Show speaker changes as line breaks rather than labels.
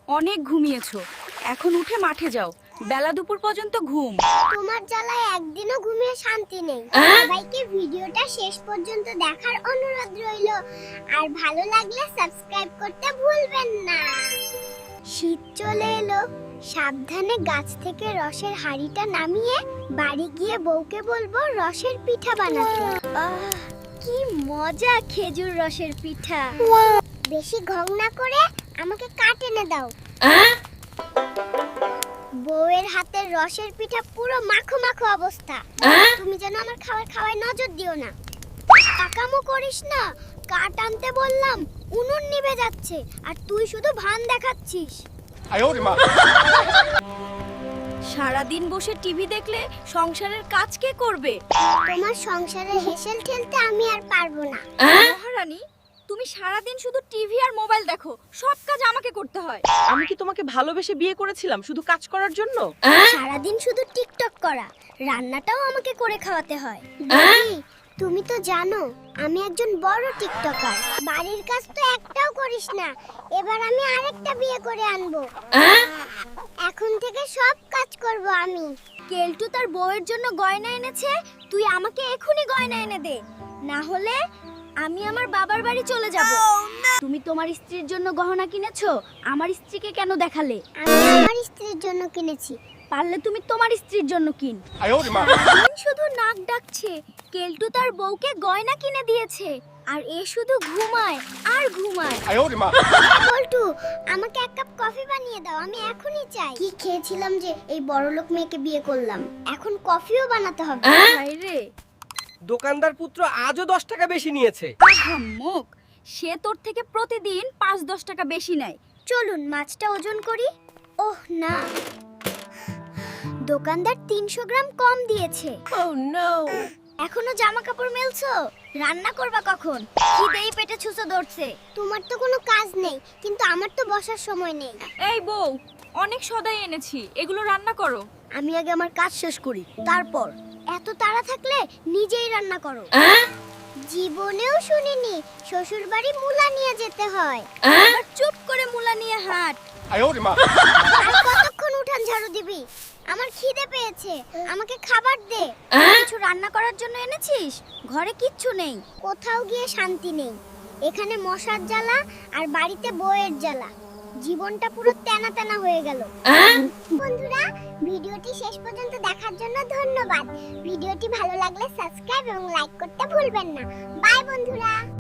অনেক ঘুমিয়েছো, এখন উঠে মাঠে যাও। বেলা দুপুর পর্যন্ত ঘুম।
তোমার জ্বালায় একদিনও ঘুমিয়ে শান্তি নেই। সবাইকে ভিডিওটা শেষ পর্যন্ত দেখার অনুরোধ রইল, আর ভালো লাগলে সাবস্ক্রাইব করতে ভুলবেন না। শীত চলে এলো, সাবধানে গাছ থেকে রসের হাঁড়িটা নামিয়ে বাড়ি গিয়ে বউকে বলবো রসের পিঠা বানাতে। কি মজা খেজুর রসের পিঠা। বেশি ঘং না করে আমাকে কাট এনে দাও। বউয়ের হাতের রসের পিঠা পুরো মাখো মাখো অবস্থা। তুমি যেন আমার খাওয়ায় নজর দিও না। কাকামো করিস না, কাট আনতে বললাম, উনুন নিভে যাচ্ছে আর তুই শুধু ভান দেখাচ্ছিস।
সারাদিন বসে টিভি দেখলে সংসারের কাজ কে করবে?
তোমার সংসারে হেসেল ঠেলতে আমি আর পারবো না।
মহারানী, তুমি সারাদিন শুধু টিভি আর মোবাইল দেখো, সব কাজ আমাকে করতে হয়।
আমি কি তোমাকে ভালোবেসে বিয়ে করেছিলাম শুধু কাজ করার জন্য?
সারাদিন শুধু টিকটক করা, রান্নাটাও আমাকে করে খাওয়াতে হয়। দিদি, তুমি তো জানো আমি একজন বড় টিকটকার। বাড়ির কাজ তো একটাও করিস না, এবার আমি আরেকটা বিয়ে করে আনবো। এখন থেকে সব কাজ করব আমি। কেলটু তার বউয়ের জন্য গয়না এনেছে, তুই আমাকে এখনি গয়না এনে দে, না হলে আমি আমার বাবার বাড়ি চলে যাব।
তুমি তোমার স্ত্রীর জন্য গহনা কিনেছো, আমার স্ত্রীকে কেন দেখালে?
আমি আমার স্ত্রীর জন্য কিনেছি।
পারলে তুমি তোমার স্ত্রীর জন্য কিন। শুধু নাক ডাকছে, কেলটু তার বউকে গয়না কিনে দিয়েছে, আর এ শুধু ঘুমায় আর ঘুমায়। বল্টু, আমাকে এক কাপ কফি বানিয়ে দাও, আমি এখনই চাই। কি খেয়েছিলাম যে এই বড়লোক মেয়েকে বিয়ে করলাম, এখন কফিও বানাতে হবে। হায় রে,
দোকানদার পুত্র আজও 10 টাকা বেশি নিয়েছে।
আহাম্মক, সে তোর থেকে প্রতিদিন 5-10 টাকা বেশি নেয়।
চলুন মাছটা ওজন করি। ওহ না, দোকানদার 300 গ্রাম কম দিয়েছে।
Oh no!
এখনো জামা কাপড় মেলছো? রান্না করবা কখন? খিদেই পেটে ছুঁচো ধরছে। তোমার তো কোনো কাজ নেই, কিন্তু আমার তো বসার সময় নেই।
এই বউ, অনেক সদাই এনেছি, এগুলো রান্না করো।
আমি আগে আমার কাজ শেষ করি, তারপর। এত তাড়া থাকলে নিজেই রান্না করো। জীবনেও শুনিনি শ্বশুর বাড়ি মূলা নিয়ে যেতে হয়।
আর চুপ করে মুলা নিয়ে হাঁট।
আর কতক্ষণ উঠান ঝাড়ু দিবি? আমার খিদে পেয়েছে, আমাকে খাবার দে।
কিছু রান্না করার জন্য এনেছিস? ঘরে কিচ্ছু নেই।
কোথাও গিয়ে শান্তি নেই, এখানে মশার জ্বালা আর বাড়িতে বউয়ের জ্বালা। জীবনটা পুরো তেনা তেনা হয়ে গেল। বন্ধুরা, ভিডিওটি শেষ পর্যন্ত দেখার জন্য ধন্যবাদ। ভিডিওটি ভালো লাগলে সাবস্ক্রাইব এবং লাইক করতে ভুলবেন না। বাই বন্ধুরা।